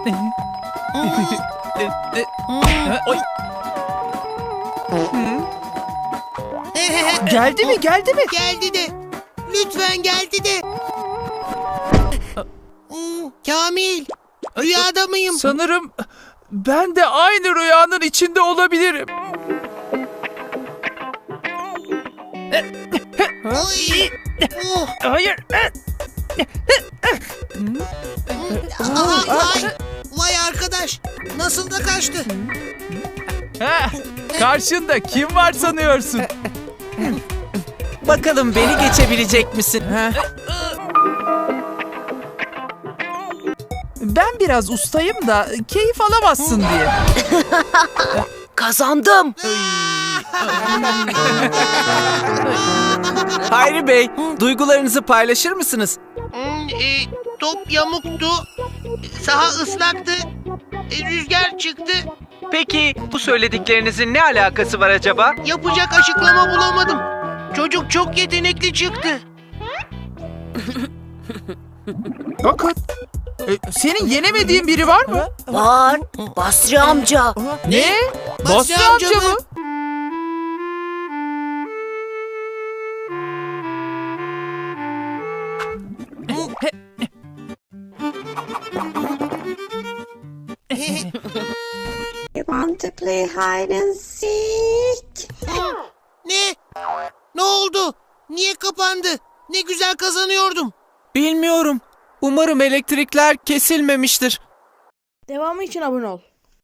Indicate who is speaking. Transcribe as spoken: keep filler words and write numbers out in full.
Speaker 1: Oy. Geldi mi? Geldi mi?
Speaker 2: Geldi de. Lütfen geldi de. Kamil, rüyada mıyım?
Speaker 1: Sanırım ben de aynı rüyanın içinde olabilirim.
Speaker 2: Oy. Oh.
Speaker 1: Hayır.
Speaker 2: Aha, vay. Vay arkadaş. Nasıl da kaçtı?
Speaker 1: Ha, karşında kim var sanıyorsun?
Speaker 3: Bakalım beni geçebilecek misin?
Speaker 1: Ben biraz ustayım da keyif alamazsın diye.
Speaker 3: Kazandım. Hayri Bey, duygularınızı paylaşır mısınız?
Speaker 2: Hmm, e, top yamuktu. Saha ıslaktı. E, rüzgar çıktı.
Speaker 3: Peki bu söylediklerinizin ne alakası var acaba?
Speaker 2: Yapacak açıklama bulamadım. Çocuk çok yetenekli çıktı.
Speaker 1: Bakın. E, senin yenemediğin biri var mı?
Speaker 4: Var. Basri amca.
Speaker 1: Ne?
Speaker 2: Basri
Speaker 1: Basri
Speaker 2: amca
Speaker 1: amca
Speaker 2: mı?
Speaker 1: mı?
Speaker 5: You want to play hide and seek?
Speaker 2: Ne? Ne oldu? Niye kapandı? Ne güzel kazanıyordum.
Speaker 3: Bilmiyorum. Umarım elektrikler kesilmemiştir.
Speaker 6: Devamı için abone ol.